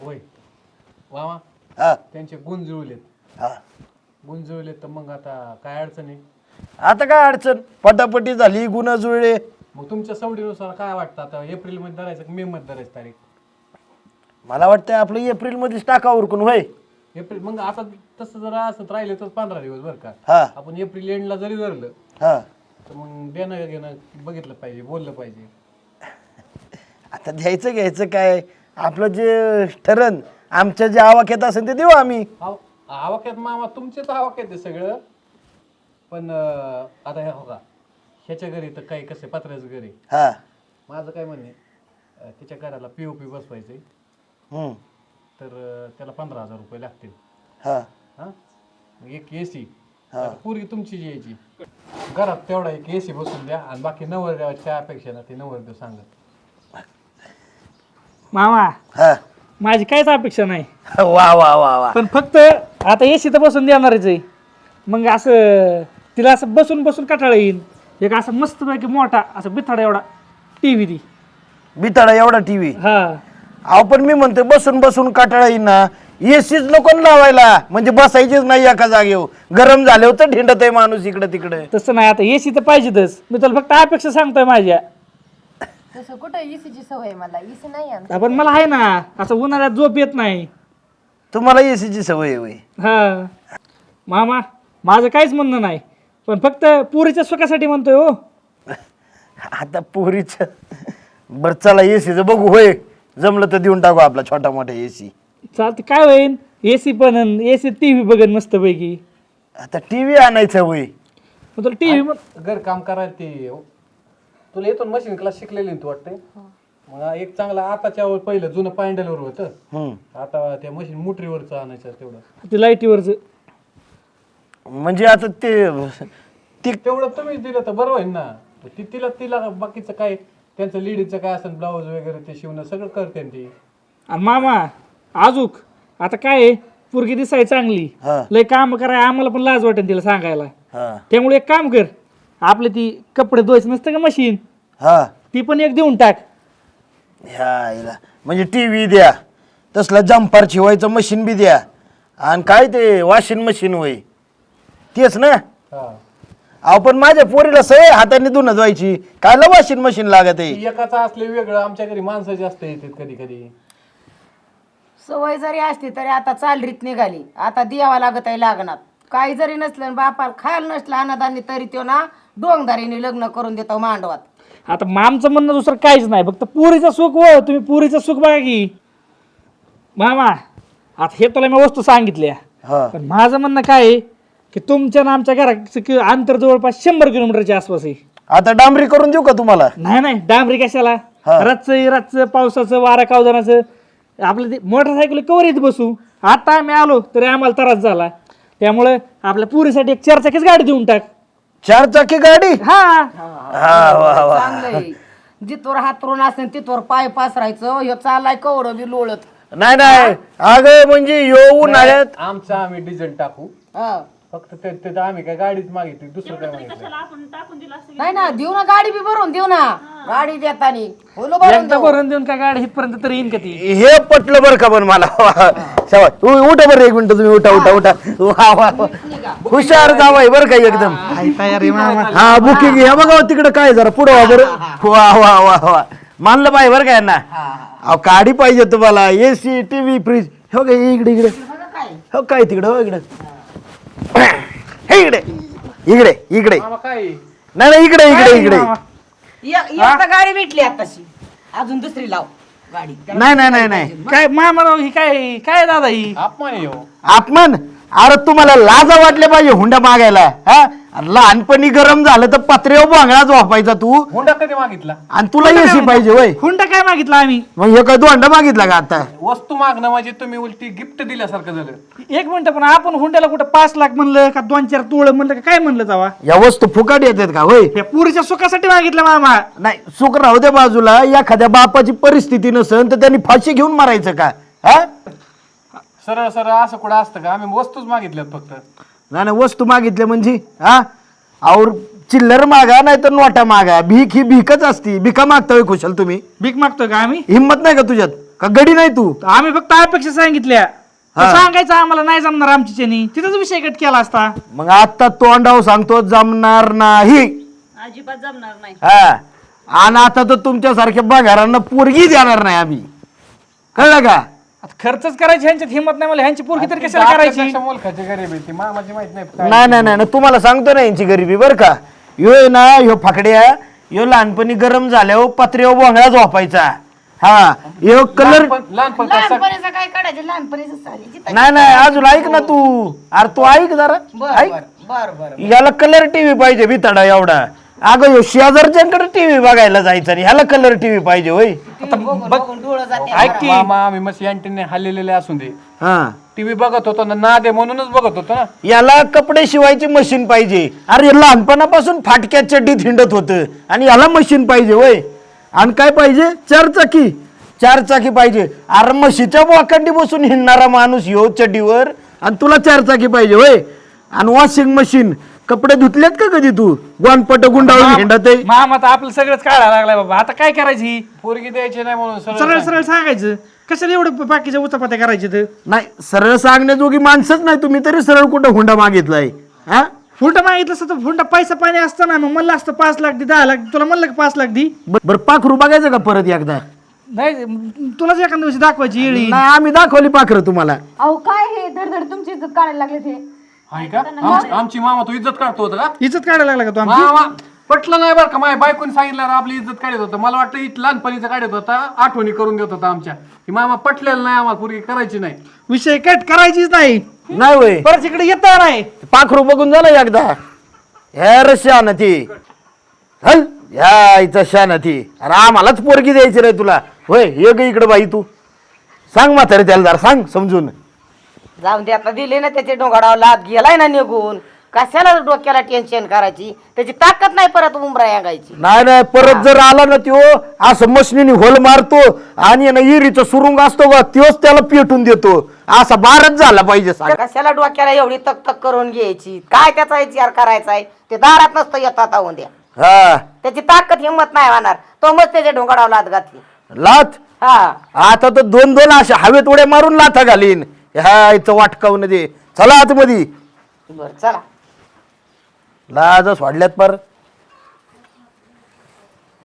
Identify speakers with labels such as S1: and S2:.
S1: होय मामा
S2: हा
S1: त्यांचे गुण जुळलेत.
S2: हा
S1: गुण जुळलेत तर मग आता काय अडचण आहे?
S2: आता काय अडचण, पटापटी झाली, गुन्हा जुळले.
S1: मग तुमच्या सवडीनुसार काय वाटतं आता एप्रिल मध्ये धरायचं की मे मध्ये धरायचं तारीख?
S2: मला वाटतं आपलं एप्रिल मध्येच टाका उरकून होय.
S1: एप्रिल मग आता तसं जर असत राहिले तर 15 दिवस बरं का.
S2: हा
S1: आपण एप्रिल एंडला जरी धरलं
S2: हा
S1: तर मग देणं घेणं बघितलं पाहिजे, बोललं पाहिजे.
S2: आता द्यायचं घ्यायचं काय, आपलं जे ठरण आमच्या जे आवाक्यात असेल ते देऊ आम्ही.
S1: आवाक्यात मामा तुमचेच आवाक्यात आहे सगळं, पण आता हे हो का ह्याच्या घरी तर काही कसं पत्र्याचं घर आहे.
S2: हा
S1: माझं काय म्हणणे त्याच्या घराला POP बसवायचंय
S2: हम्म
S1: तर त्याला 15,000 रुपये लागतील.
S2: हा
S1: हां मग एक AC पूर्वी तुमची जी यायची घरात तेवढा एक AC बसून द्या आणि बाकी नवरदेवाच्या अपेक्षा ना ते नवरदेव सांगत.
S3: मामा
S2: हा
S3: माझी काहीच अपेक्षा नाही,
S2: वा वा वा वा.
S3: पण फक्त आता एसी तर बसून देणारच आहे. मग असं तिला असं बसून बसून कटाळा येईल. एक असं मस्तपैकी मोठा असं बिथाडा एवढा TV दी.
S2: बिताडा एवढा टीव्ही.
S3: हा
S2: अहो पण मी म्हणते बसून बसून काटाळा येईन ना, एसीच नको लावायला, म्हणजे बसायचीच नाही एका जागेवर, गरम झाले होतं ढिंडत आहे माणूस इकडे तिकडे.
S3: तसं नाही, आता एसी तर पाहिजेतच. मी तुला फक्त अपेक्षा सांगतोय माझ्या.
S4: तसं कुठं इसीची सवय आहे मला, इसी नाही आमची.
S3: पण मला आहे ना, असं उन्हाळ्यात झोप येत नाही.
S2: तुम्हाला एसीची सवय आहे होय.
S3: हा मामा माझं काहीच म्हणणं नाही, पण फक्त पुरीच्या सुखासाठी म्हणतोय हो.
S2: आता पोरीच बरं चला एसीचं बघू होय, जमलं तर देऊन टाकू आपला छोटा मोठा एसी.
S3: चालते, काय होईन एसी पण एसी TV बघन मस्तपैकी.
S2: आता टीव्ही आणायचं होय.
S3: मग तुला TV
S1: घर काम करायला ते तुला येतो मशीन क्लास शिकलेली तू वाटते. मग एक चांगला आताच्या पहिलं जुनं पॅन्डलवर होतं, आता त्या मशीन मोटरीवरचं आणायचं तेवढं.
S3: ते लाईटीवरच
S2: म्हणजे आता ते
S1: तेवढं तुम्ही दिलं तर बरं होईल ना. तिला तिला बाकीचं काय त्यांचं लेडीजचं काय असेल ब्लाऊज वगैरे ते शिवणं सगळं करते ती.
S3: आणि मामा आजूक आता काय आहे, पोरगी दिसाय चांगली,
S2: हा.
S3: लय काम कराय आम्हाला पण लाज वाटेल तिला सांगायला.
S2: हा
S3: त्यामुळे एक काम कर, आपले ती कपडे धुवायचं नसतं का मशीन,
S2: हा
S3: ती पण एक देऊन टाक.
S2: ह्या इला. म्हणजे टीव्ही द्या, तसला जम्पर शिवायचं मशीन बी द्या, आणि काय ते वॉशिंग मशीन होय तेच ना.
S1: हा
S2: अहो पण माझ्या पोरीला सवय हाताने धुणं धुवायची, कायला वॉशिंग मशीन लागत आहे.
S1: ती एकाचं असले वेगळं, आमच्या घरी माणसं जास्त येतात कधी कधी.
S4: सवय जरी असली तरी आता चालरीत निघाली, आता द्यावा लागत आहे लागणार. काही जरी नसलं बापाला खायला नसलं अनादानी तरी तो ना डोंगदारीने लग्न करून देतो मांडवात.
S3: आता आमचं म्हणणं दुसरं काहीच नाही, फक्त पुरीचं सुख हो. तुम्ही पुरीचं सुख बघा की मामा. आता हे तुला मी वस्तू सांगितल्या,
S2: हा
S3: पण माझं म्हणणं काय आहे की तुमच्या ना आमच्या घराचं अंतर जवळपास 100 किलोमीटरच्या आसपास आहे.
S2: आता डांबरी करून देऊ का तुम्हाला?
S3: नाही नाही, डांबरी कशाला, रातचं पावसाचं वारा कावदानाचं आपलं ते मोटरसायकल कवर येत बसू. आता आम्ही आलो तरी आम्हाला त्रास झाला, त्यामुळे आपल्या पुरीसाठी एक 4 चाकीच गाडी देऊन टाक.
S2: 4 चाकी गाडी?
S3: हा
S2: हा वा वा.
S4: चांगलंय, जिथवर हातरून असेल तिथवर पाय पासरायचं. ह्यो चालाय कवडं बी लोळत.
S2: नाही नाही अगं म्हणजे येऊ उन्हाळ्यात
S1: आमचं आम्ही डिझेल टाकू,
S4: हा.
S1: फक्त ते आम्ही काय गाडीच मागितली, दुसरं काय मागितलं.
S4: नाही ना, देऊ ना गाडी बी भरून देऊ ना, गाडी देतानी बोलो भरून
S3: एकदा
S4: देऊ.
S3: भरून देऊन काय गाडी इथपर्यंत तरी येईन का ती?
S2: हे पटलं बरं का पण मला. शाबास. उठा बरं एक मिनिट, तुम्ही उठा उठा उठा. वा वा वा. हुशार जावाय बरं का एकदम. हा बुकिंग हे बघा तिकडे काय जरा पुढं वा बरं. वा वा वा वा. मानलं पाहिजे बरं का यांना. अहो गाडी पाहिजे तुम्हाला, AC TV फ्रीज. हो का इकडे इकडे हो काय तिकडे हो इकडे हे इकडे इकडे इकडे
S1: मामा काय
S2: नाही नाही इकडे इकडे इकडे.
S4: एकदा गाडी भेटली आताशी, अजून दुसरी लाव गाडी.
S2: नाही नाही नाही नाही
S3: काय मामा ही काय काय दादा ही?
S1: अपमान आहे हो.
S2: अपमान? अरे तुम्हाला लाजा वाटले पाहिजे हुंडा मागायला. हा लहानपणी गरम झालं तर पत्र्यावर बांगडा झोपायचा तू,
S1: हुंडा कधी मागितला?
S2: आणि तुला एसी पाहिजे वय.
S3: हुंडा काय मागितला आम्ही?
S2: मग हे काय दोंडा मागितला का आता?
S1: वस्तू मागणं म्हणजे तुम्ही उलटी गिफ्ट दिल्यासारखं झालं.
S3: 1 मिनिट, पण आपण हुंड्याला कुठं 5 लाख म्हणलं का 2-4 तोळ म्हणलं का काय म्हणलं जावा?
S2: या वस्तू फुकट येतात का होय?
S3: या पुरीच्या सुखासाठी मागितलं मामा.
S2: नाही सुख राहू दे बाजूला, एखाद्या बापाची परिस्थिती नसेल तर त्यांनी फाशी घेऊन मारायचं का? हा
S1: सरळ सरळ असं कुठं असतं का? आम्ही वस्तूच मागितल्यात फक्त.
S2: नाही नाही वस्तू मागितल्या म्हणजे हा और चिल्लर मागा नाही तर नोटा मागा. भीक ही भीकच असती. भिका मागता होय खुशाल तुम्ही?
S3: भीक मागतोय का आम्ही?
S2: हिंमत नाही का तुझ्यात? का गडी नाही तू
S3: आम्ही फक्त अपेक्षा सांगितल्या सांगायचं आम्हाला नाही जमणार आमच्यानी तिथंच विषय कट केला असता.
S2: मग आता तोंडाव सांगतो जमणार नाही.
S5: अजिबात जमणार नाही.
S2: हा आणि आता तर तुमच्यासारख्या बघारांना पोरगी देणार नाही आम्ही, कळलं का?
S3: आता खर्चच करायची ह्यांच्यात हिंमत नाही मला, ह्यांची पोरगी तर कशाला करायची.
S1: मुलखाची गरीब आहे ती मामाची माहित नाही काय.
S2: नाही नाही नाही तुम्हाला सांगतो ना यांची गरिबी बरं का. ह्यो ना ह्यो फाकड्या ह्यो लहानपणी गरम झाल्यावर पत्र्यावर बोंगळा झोपायचा. हा ह्यो कलर
S1: लहानपण
S4: लहानपणीचं काय काढायचं, लहानपणीचं सारी
S2: नाही नाही अजून ऐक ना तू. अरे तू ऐक जरा ऐक.
S4: बर
S2: याला कलर टीव्ही पाहिजे भिताडा एवढा. अगं ह्यो शेजारच्याकडे टीव्ही बघायला जायचं आणि ह्याला कलर टीव्ही पाहिजे होय.
S4: डोळं जाते.
S3: ऐक की
S1: मामा आम्ही मस्त अँटीने हल्लेले असून दे
S2: हा
S1: टीव्ही बघत होतो ना दे म्हणूनच बघत होतो ना.
S2: याला कपडे शिवायची मशीन पाहिजे. अरे लहानपणापासून फाटक्या चड्डीत हिंडत होतं आणि याला मशीन पाहिजे होय. आणि काय पाहिजे? 4 चाकी. 4 चाकी पाहिजे. अरे म्हशीच्या बोकांडी बसून हिंडणारा माणूस ह्यो चड्डीवर आणि तुला 4 चाकी पाहिजे होय. आणि वॉशिंग मशीन. कपडे धुतलेत का कधी तू? गोनपट गुंडाळून हिंडत आहे.
S3: मामा तर आपलं सगळंच काढायला लागलाय बाबा. आता काय करायची?
S1: पोरगी द्यायची नाही म्हणून
S3: सरळ सरळ सांगायचं. कशाला एवढं बाकीच्या उचापात्या करायचे तर?
S2: नाही सरळ सांगण्याजोगी माणसंच नाही तुम्ही, तरी सरळ कुठं हुंडा मागितलाय. हा
S3: फुंडा मागितलं असतं तर फुंडा पैसा पाणी असतं ना, मग म्हणलं असतं 5 लाख दे 10 लाख, तुला म्हणलं का 5 लाख दी?
S2: बरं पाखरू बघायचं का परत एकदा?
S3: नाही तुलाच एखाद्या दिवशी दाखवायची येळी.
S2: नाही आम्ही दाखवली पाखरं तुम्हाला.
S5: अहो काय हे धडधड तुमची इज्जत काढायला लागले ते.
S1: आहे का? आमची मामा तू इज्जत काढतो होता का?
S3: इज्जत काढायला लागला का तू आमची?
S1: मामा पटलं नाही बरं का. माझ्या बायकोनी सांगितलं आपली इज्जत काढत होतं. मला वाटतं लहानपणीचं काढत होता, आठवणी करून देत होता आमच्या. की मामा पटलेलं नाही आम्हाला, पोरगी करायची नाही.
S3: विषय कट करायचीच नाही.
S2: नाही होय
S3: परत इकडे येता नाही.
S2: पाखरू बघून झालं एकदा. ह्या शान ती हल ह्या इथं शान ती. अरे आम्हालाच पोरगी द्यायची रे तुला होय. ये ग इकडे बाई तू सांग म्हातारे त्याला जरा सांग समजून.
S4: जाऊन दे आता, दिले ना त्याचे डोंगाडाव लाद गेलाय ना निघून. कशाला डोक्याला टेन्शन करायची? त्याची ताकद नाही परत उमरा यांगायची.
S2: नाही नाही परत जर आला ना त्यो असं मशनीने होल मारतो आणि ना इरीचा सुरुंग असतो बा त्योच त्याला पेटून देतो. असा बारच झाला पाहिजे सांग.
S4: कशाला डोक्याला एवढी तक तक करून घ्यायची? काय त्याचा विचार करायचा आहे? ते दारात नसतं येतात आहोत द्या.
S2: हा
S4: त्याची ताकद हिंमत नाही होणार. तो मग त्याच्या डोंगाडाव लाद घातली.
S2: लाथ
S4: हा
S2: आता तर 2-2 अशा हवेत उड्या मारून लाथा घालीन. ह्या इथं वाटकावून दे. चला आतमध्ये.
S4: बर चला.
S2: लाजच वाढल्यात पर.